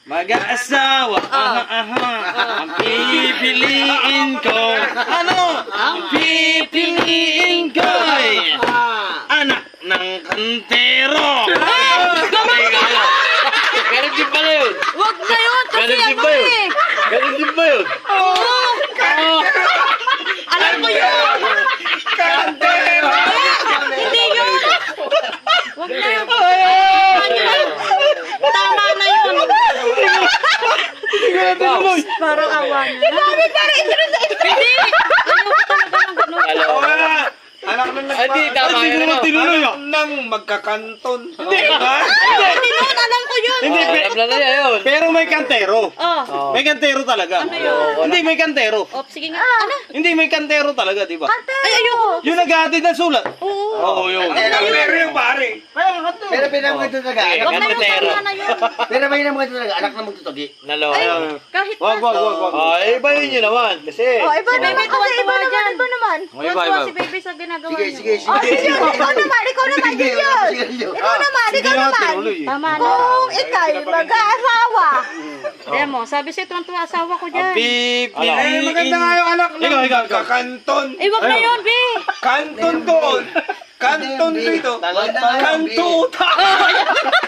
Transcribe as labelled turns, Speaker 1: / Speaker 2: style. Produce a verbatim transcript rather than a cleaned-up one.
Speaker 1: Mag-aasawa, aha, aha, ang pipiliin ko. Ano? Ang pipiliin ko ay anak ng kantero.
Speaker 2: Ganun din pala yun.
Speaker 3: Wag na yun, kasi
Speaker 2: Ganun din
Speaker 3: ano
Speaker 2: ba yun?
Speaker 3: eh.
Speaker 2: Ganun din ba yun?
Speaker 3: Oo. Alam ko yun.
Speaker 1: Kantero!
Speaker 3: Hindi yun. Wag na yun. Ano yun? Tama na yun. Parang awa na. Di ba? Parang ito na sa ito. Hindi. Ayoko talaga ng ganun.
Speaker 2: Alam
Speaker 1: Oo
Speaker 2: mo.
Speaker 1: nga. Anak ng
Speaker 2: Ah, di, tama
Speaker 1: Ay,
Speaker 2: yun,
Speaker 1: sino
Speaker 2: ano?
Speaker 1: tinuloy ah?
Speaker 4: Nang magkakanton.
Speaker 1: Hindi. Ha?
Speaker 3: Hindi yun. Alam ko yun.
Speaker 1: Hindi,
Speaker 2: Oh,
Speaker 1: pe-
Speaker 2: alam na niya yun.
Speaker 1: pero may kantero.
Speaker 3: Oh.
Speaker 2: Oh.
Speaker 1: May kantero talaga.
Speaker 3: Ano yun?
Speaker 1: Hindi, may kantero.
Speaker 3: Oh, sige nga. Ano?
Speaker 1: Hindi, may kantero talaga, di ba?
Speaker 3: Ay, ayoko.
Speaker 1: Yung naghahatid ng sulat.
Speaker 3: Oo.
Speaker 1: Oo, yun.
Speaker 4: Pero yung pare.
Speaker 5: Pero pinamagod talaga,
Speaker 2: Okay.
Speaker 5: anak
Speaker 3: Wag na yun.
Speaker 2: Kantero.
Speaker 3: Tama na yun.
Speaker 5: pero may namagod talaga, anak na magtutugi.
Speaker 2: Nalo.
Speaker 3: Ay, kahit
Speaker 1: Wag, wag, wag, wag.
Speaker 2: Oh, eh, iba yun yun naman. Kasi,
Speaker 3: Oh, iba si Bebe, tuwa-tuwa dyan. Iba naman.
Speaker 1: Oh, iba,
Speaker 3: Tuwa-tuwa
Speaker 1: iba.
Speaker 3: si Bebe sa ginagawa
Speaker 5: Sige,
Speaker 3: niyo.
Speaker 5: sige, sige.
Speaker 6: Sige, ikaw naman, ikaw naman din yun. Ikaw naman,
Speaker 1: Hindi
Speaker 6: ikaw
Speaker 1: naman
Speaker 6: naman.
Speaker 1: tinuloy eh.
Speaker 3: Tama na.
Speaker 6: Kung ikay mag-aasawa.
Speaker 3: Kaya mo, sabi siya tuwa-tuwa asawa ko
Speaker 1: Ang
Speaker 3: dyan.
Speaker 1: pipiliin.
Speaker 4: Eh, maganda nga yung anak ng
Speaker 1: Ikaw, ikaw, ikaw.
Speaker 4: magkakanton.
Speaker 3: Eh, wag na yun, Be.
Speaker 4: Kanton doon. Kanton dito.
Speaker 5: Maganda nga yun, Be.
Speaker 4: Kantuta.